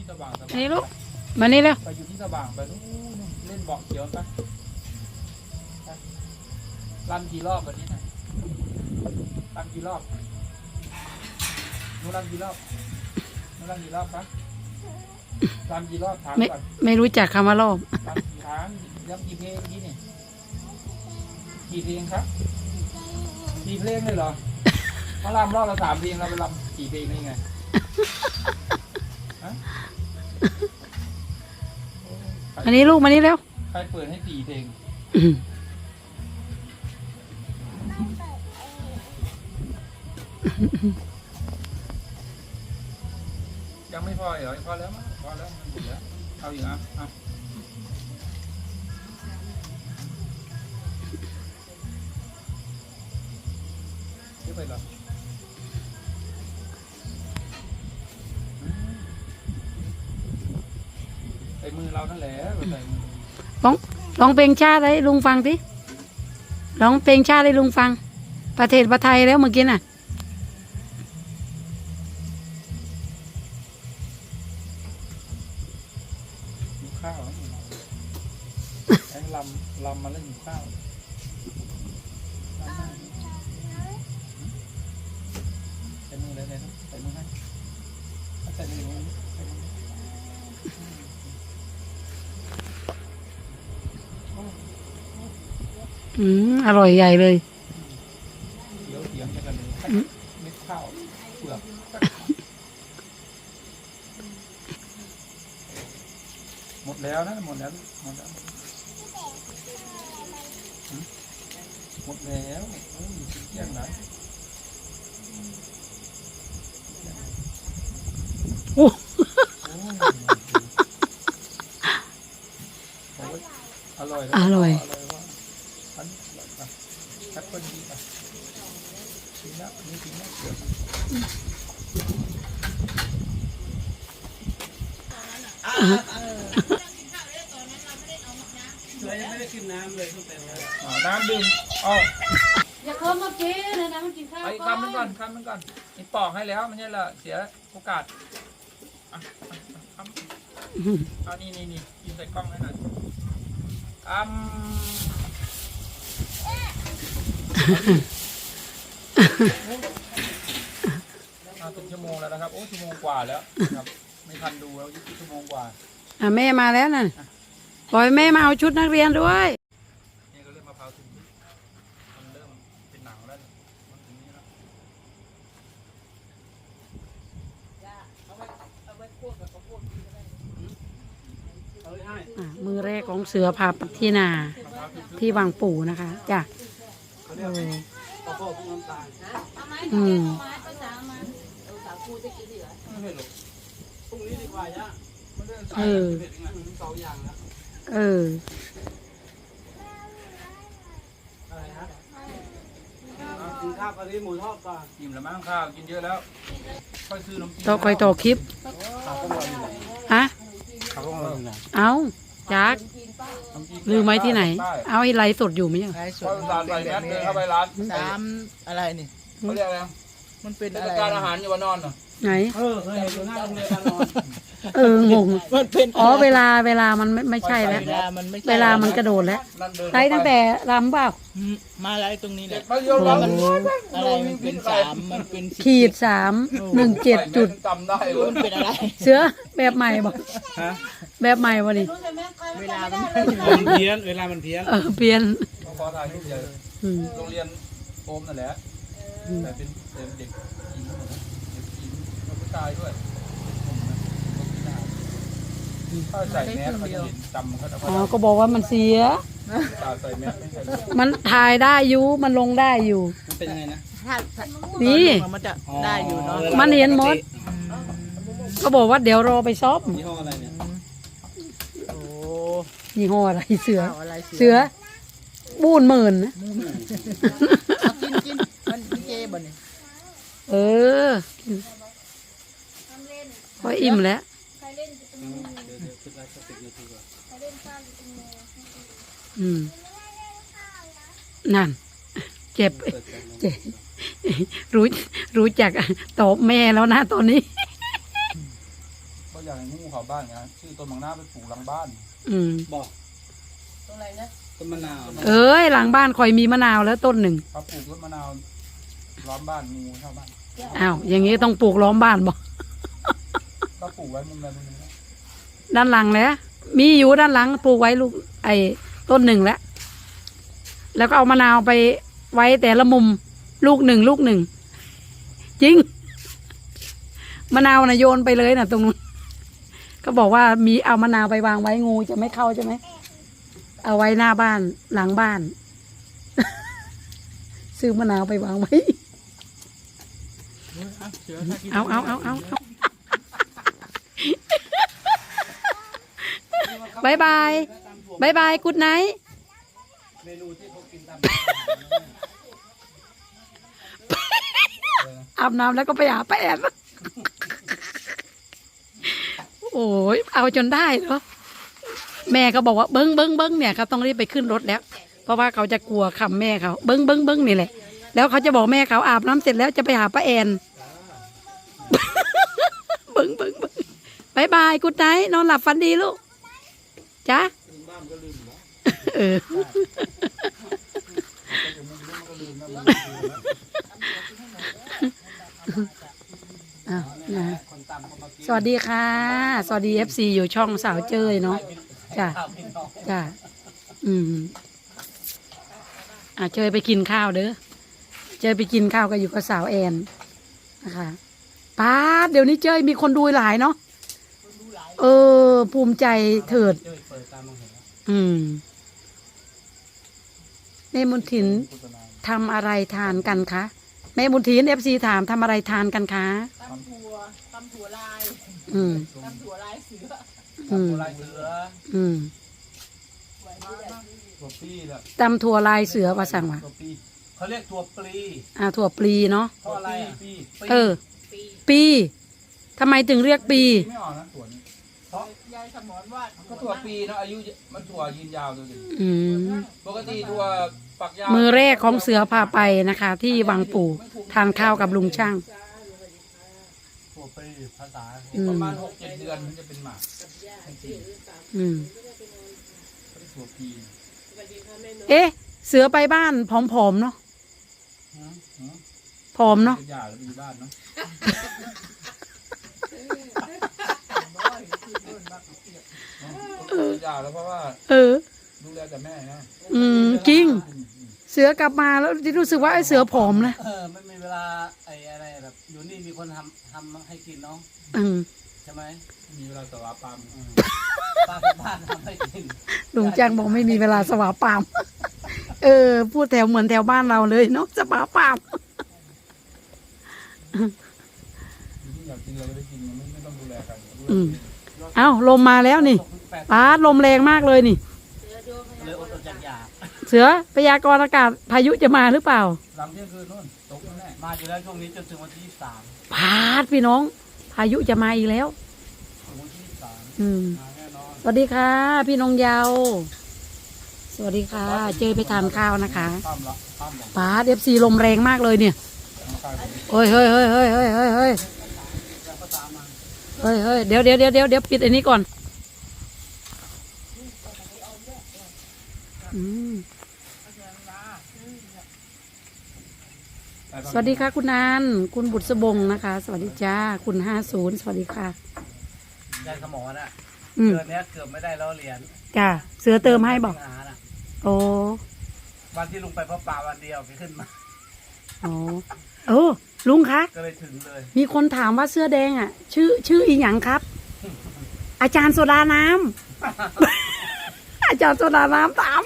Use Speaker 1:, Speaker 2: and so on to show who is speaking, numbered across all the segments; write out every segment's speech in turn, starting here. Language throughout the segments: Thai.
Speaker 1: สว่างสว่าง
Speaker 2: นี่ลูกมานี่แล้ว
Speaker 1: ไปอยู่ที่สว่างไปนู่นเล่นเบาะเขียวไปรันกี่รอบวันนี้นะรันกี่รอบนู้นรันกี่รอบนู้นรันกี่รอบครับรันกี่รอบถามก่อน
Speaker 2: ไม่รู้จักคำว่ารอบ
Speaker 1: รันกี่ครั้งย้ำกี่เพลงนี่นี่กี่เพลงครับกี่เพลงเลยเหรอเขารำรอบละ3 เพลงเราไปรำกี่เพลงนี่ไง
Speaker 2: อันนี้ลูกมานี่แล้ว
Speaker 1: ใครเปิดให้4 เพลงยังไม่พอเหรอพอแล้วมั้งพอแล้วมันหมดแล้วเอาอีกอ่ะเยอะไปเหรอใส่มือเรานั่นแหละใส่มือ
Speaker 2: ร้องเพลงชาติให้ลุงฟังสิร้องเพลงชาติให้ลุงฟังประเทศประไทยแล้วเมื่อกี้น่ะ
Speaker 1: หิวข้าวไอ้ลำมาแล้วหิวข้าวใส่มือเลยนะใส่มือให้ใส่มือ
Speaker 2: อร่อยใหญ่เลย
Speaker 1: เดี๋ยวเถียงกันเลยเม็ดข้าวเปลือกหมดแล้วนะหมดแล้วหมดแล้วหมดแล้วเที่ยงไหน
Speaker 2: โอ้
Speaker 1: อร่อย
Speaker 2: อร่อย
Speaker 1: แอปเปิ้ลดีป่ะกินแล้วนี่กินแล้วเดี๋ยว
Speaker 3: เรายังไม่ได้กินน้ำเลยตั้งแต่
Speaker 1: น้ำดื่มอ๋อ
Speaker 2: อย่าเพิ่มมากินเลยนะมันกินข้าว
Speaker 1: ไอ้คำนึงก่อนนี่ปอกให้แล้วไม่ใช่เหรอเสียโอกาสคำเอานี่กินใส่กล้องให้หน่อยเป็นชั่วโมงแล้วนะครับโอ้ชั่วโมงกว่าแล้วครับไม่ทันดูแล้วชั่วโมงกว่า
Speaker 2: แม่มาแล้วน่ะปล่อยแม่มาเอาชุดนักเรียนด้วย
Speaker 1: นี่ก็เริ่มมะพร้าวถึงมันเริ่มเป็นหนังแล้วมันถึงนี้
Speaker 2: แล้วมือแรกของเสือพาไปที่นาที่บางปู่นะคะจ้ะ
Speaker 3: พรุ่งนี้ดีกว่าย่า2 อย่างแล้วอะไรฮะกินข้าวกะทิหมูทอดก่อน
Speaker 1: อิ่มแล้วมั้งข้าวกินเยอะแล้วค่อยซื้อน้ำจิ้ม
Speaker 2: ต่อคอยต่อคลิปฮะเอาจักลืมไว้ที่ไหนเอาไอ้ไลฟ์สดอยู่ไหมยัง
Speaker 1: ไลฟ์สดใส่แมสเดินเข้าไปร้าน
Speaker 3: 3อะไรนี่
Speaker 1: เขาเรียกอะไร
Speaker 3: มันเป็นอะไร
Speaker 1: การอาหารอยู่วันนอนเหรอ
Speaker 2: ไหน
Speaker 3: เคยเห็นอยู่หน้าโรงเรียนนอน
Speaker 2: งง
Speaker 3: มันเป็น
Speaker 2: เวลามันไม่ใช่แล้วเวลามันกระโดดแล้วไล่ตั้งแต่รำเปล่า
Speaker 3: มาไล่ตรงนี้แหละ
Speaker 1: มัน
Speaker 3: อะไรมันเป็น3มันเป็น
Speaker 2: ขีด317จุด
Speaker 3: มันเป็นอะไร
Speaker 2: เสือแบบใหม่บอกแบบใหม่วะนี่
Speaker 3: เวลามันเพี้ยนเวลามันเพี้ยน
Speaker 2: เปลี่ยน
Speaker 1: ขอถ่ายรูปใหญ่โรงเรียนโอมนั่นแหละแต่เป็นเด็กหญิงผู้ชายด้วยถ้าใส่แมสเขาจะเห็นจำเขา
Speaker 2: ก็บอกว่ามันเสีย
Speaker 1: ใส่แมสไม่ใส่
Speaker 2: มันถ่ายได้อยู่มันลงได้อยู่
Speaker 3: มันเป็นไงนะ
Speaker 2: นี่
Speaker 3: มันจะได้อยู่เนาะ
Speaker 2: มันเห็นหมดก็บอกว่าเดี๋ยวรอไปซ้อม
Speaker 3: ยี่ห้ออะไรเนี่ยโอ้
Speaker 2: ยี่ห้ออะไรเสือบูนหมื่นนะ
Speaker 3: กินมันเจบ่เนี่ย
Speaker 2: พออิ่มแล้วนั่นเจ็บรู้จักตอบแม่แล้วนะตอนนี้
Speaker 1: เขาอยากให้งูเขาบ้านไงชื่อต้นมังนาไปปลูกหลังบ้าน
Speaker 3: บอก
Speaker 4: ตรงไหนนะ
Speaker 3: ต้นมะนาว
Speaker 2: เอ้ยหลังบ้านคอยมีมะนาวแล้วต้นหนึ่ง
Speaker 1: เขาปลูกต้นมะนาวล้อมบ้านงูเข้าบ้าน
Speaker 2: อ้าวอย่างงี้ต้องปลูกล้อมบ้านบ่
Speaker 1: ก็ปลูกไว้มุมใดมุมหนึ่งนะ
Speaker 2: ด้านหลังแล้วมีอยู่ด้านหลังปลูกไว้ลูกไอ้ต้นหนึ่งแล้วก็เอามะนาวไปไว้แต่ละมุมลูกหนึ่งจริงมะนาวนะโยนไปเลยนะตรงนู้นก็บอกว่ามีเอามะนาวไปวางไว้งูจะไม่เข้าใช่ไหมเอาไว้หน้าบ้านหลังบ้าน ซื้อมะนาวไปวางไว้เอาบายบายกุดไนท์
Speaker 3: เมนูที่เขากินตาม
Speaker 2: อาบน้ำแล้วก็ไปหาป้าแอนโอ้ยเอาจนได้เหรอแม่ก็บอกว่าเบิ้งเนี่ยเขาต้องรีบไปขึ้นรถแล้ว เพราะว่าเขาจะกลัวคำแม่เขาเบิ้งนี่แหละแล้วเขาจะบอกแม่เขาอาบน้ำเสร็จแล้วจะไปหาป้าแอนเบิ้งบายบายกุดไนท์นอนหลับฝันดีลูกจ้าเออสวัสดีค่ะสวัสดี FC อยู่ช่องสาวเจยเนาะจ้ะเจยไปกินข้าวเด้อเจยไปกินข้าวก็อยู่กับสาวแอนนะคะป้าเดี๋ยวนี้เจยมีคนดูหลายเนาะภูมิใจเถิดแม่บุญถินทำอะไรทานกันคะแม่บุญถิน FC ถามทำอะไรทานกันคะ
Speaker 4: ตำถั่วลายตำถั่วลายเสือ
Speaker 3: ลายเสือ
Speaker 1: ตัวปี้แหละ
Speaker 2: ตำถั่วลายเสือว่าสั่งว่า
Speaker 1: ตัวปี้
Speaker 3: เขาเรียกตัวปลี
Speaker 2: ถั่วปลีเนาะ
Speaker 3: เพราะอะไรอ่ะ
Speaker 1: ปี้
Speaker 2: ปีทำไมถึงเรียกปี
Speaker 1: ไม่ออกนะถั่วนี้
Speaker 3: เพราะ
Speaker 4: ยายสมรว่า
Speaker 1: ก็ถั่วปีนะอายุมันถั่วยืนยาวดูดิ
Speaker 2: ม
Speaker 1: ปกติถั่วฝักยาว
Speaker 2: มือแรกของเสือพาไปนะคะ ที่วังปู่ทานข้าวกับลุงช่าง
Speaker 3: ตัวปลีภาษา
Speaker 1: ประมาณ 6-7 เดือนมันจะเป็นหมาก ถั่วปี
Speaker 2: เอ๊ะ เสือไปบ้านผอมๆเนาะผอมเนาะ
Speaker 1: เป็นหญ้าแล้วมีบ้านเนาะเป็นหญ้าแล้วเพราะว่าดูแลแต่แม่นะ
Speaker 2: จริง เสือกลับมาแล้วรู้สึกว่าไอ้เสือผอมนะ
Speaker 3: ไม่มีเวลาไอ้อะไรแบบอยู่นี่มีคนทำให้กินเนาะใช่ไหม
Speaker 1: มีเวลาสวาปาม
Speaker 3: ป้าที่บ้านทำให้กิน
Speaker 2: ลุงแจ้งบอกไม่มีเวลาสวาปามพูดแถวเหมือนแถวบ้านเราเลยเนาะสวาปาม
Speaker 1: อยากกินอะไรก็ได้กินไม่ต้องดูแลกัน
Speaker 2: เอ้าลมมาแล้วนี่ป้าลมแรงมากเลยนี่
Speaker 3: เลยอดจากอยาก
Speaker 2: เสือพยากรณ์อากาศพายุจะมาหรือเปล่า
Speaker 1: หลังเที่ยงคืนนู่นตกแน่
Speaker 3: มาอยู่แล้วช่วงนี้จนถึงวันที่23
Speaker 2: พาดพี่น้อง พายุจะมาอีกแล้ว
Speaker 3: ถึงวันที่23มาแน่นอน
Speaker 2: สวัสดีค่ะ พี่นงเยาวสวัสดีค่ะ เจอไปทานข้าวนะคะ
Speaker 1: ข้ามละข้ามหลัง
Speaker 2: ป้าFC ลมแรงมากเลยเนี่ย
Speaker 1: ข้ามไป
Speaker 2: เฮ้ยเดี๋ยวปิดอันนี้ก่อนสวัสดีค่ะคุณนานคุณบุตรสบงนะคะ สวัสดีจ้าคุณ50สวัสดีค่ะ
Speaker 3: ยายสมอน่ะ
Speaker 2: อืม
Speaker 3: เดือนนี้เกือบไม่ได้แล้วเหรียญ
Speaker 2: จ้าเสือเติมให้บอก
Speaker 3: หาน่ะ
Speaker 2: โอ้
Speaker 3: วันที่ลุงไปพบป่าวันเดียวไปขึ้นมา
Speaker 2: โอ้ลุงคะ
Speaker 3: ก็เลยถึงเลย
Speaker 2: มีคนถามว่าเสื้อแดงอ่ะ ชื่ออีหยังครับ อาจารย์โซดาน้ำ อาจารย์โซดาน้ำถาม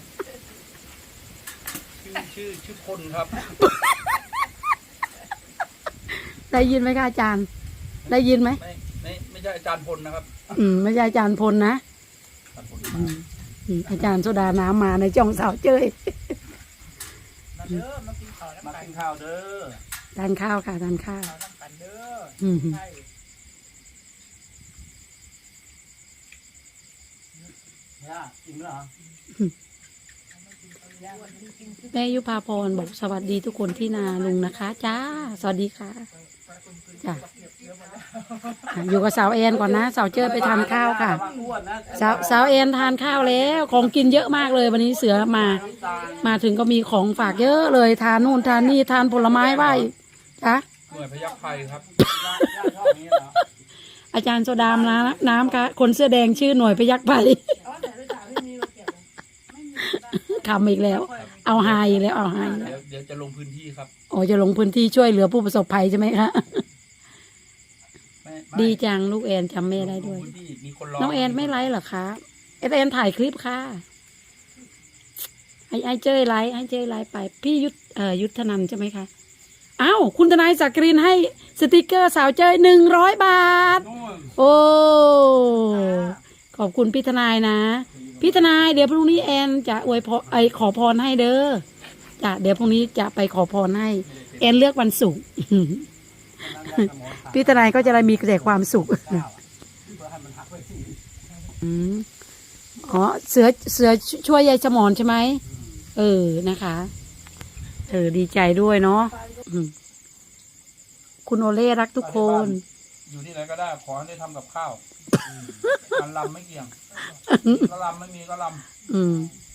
Speaker 1: ชื่อพลครับ
Speaker 2: ได้ยินไหมคะอาจารย์ ได้ยินไหม
Speaker 1: ไม่ใช่อาจารย์พลนะครับ
Speaker 2: ไม่ใช่อาจารย์พลนะ
Speaker 1: อาจารย์พล
Speaker 2: อาจารย์โซดาน้ำมาในจ่องสาวเจ้ย
Speaker 4: มาเด้อมากินข้าว
Speaker 3: มา
Speaker 4: น้ำกัน
Speaker 3: กินข้าวเด้อ
Speaker 2: ทานข้าวค่ะทานข้าว
Speaker 4: ข้าวน้ำกันเด้อ
Speaker 2: อืม
Speaker 4: ใช่
Speaker 3: ย่ากินแล้วเหรอ
Speaker 2: แม่ยุพาพรบอกสวัสดีทุกคนที่นาลุงนะคะจ้าสวัสดีค่ะจ้าอยู่กับสาวแอนก่อนนะสาวเจ้ยไปทานข้าวค่ะ
Speaker 3: อ้วนนะ
Speaker 2: สาวแอนทานข้าวแล้วของกินเยอะมากเลยวันนี้เสือมาถึงก็มีของฝากเยอะเลยทานนู่นทานนี่ทานผลไม้ไหว้จ้ะ
Speaker 1: หน่วยพยัคฆ์ไทยครับ
Speaker 3: ย่าชอบนี้เหรอ
Speaker 2: อาจารย์โซดามน้ำค่ะคนเสื้อแดงชื่อหน่วยพยัคฆ์ไผ่ทำอีกแล้ว เอาหายอีกแล้วเอาหายอีกแล้ว
Speaker 1: เดี๋ยวจะลงพื้นที่ครับ
Speaker 2: โอ้จะลงพื้นที่ช่วยเหลือผู้ประสบภัยใช่ไหมคะ
Speaker 1: ไม่
Speaker 2: ดีจังลูกแอนจำแม่ได้ด้วย
Speaker 1: ลงพื้นที่มีคนรอ
Speaker 2: น้องแอนไม่ไลฟ์เหรอคะแอนถ่ายคลิปค่ะไอ้เจ้ยไลฟ์ไปพี่ยุทธนันท์ใช่ไหมคะอ้าวคุณทนายสักกรินให้สติกเกอร์สาวเจ้ย100 บาท
Speaker 1: นู่น
Speaker 2: โอ้ขอบคุณพี่ทนายนะพี่ทนายเดี๋ยวพรุ่งนี้แอนจะอวยพรขอพรให้เด้อจ้ะเดี๋ยวพรุ่งนี้จะไปขอพรให้แอนเลือกวันศุกร์ พี่ทนายก็จะได้มีแต่ความสุข อืมอ๋อเสือช่วยยายสมอนใช่ไหมนะคะดีใจด้วยเนาะคุณโอเล่รักทุกคน
Speaker 1: อยู่ที่ไหนก็ได้ขอให้ได้ทำกับข้าวการลำไม่เกี่ยงก็ลำไม่มีก็ล
Speaker 2: อืม
Speaker 1: ำ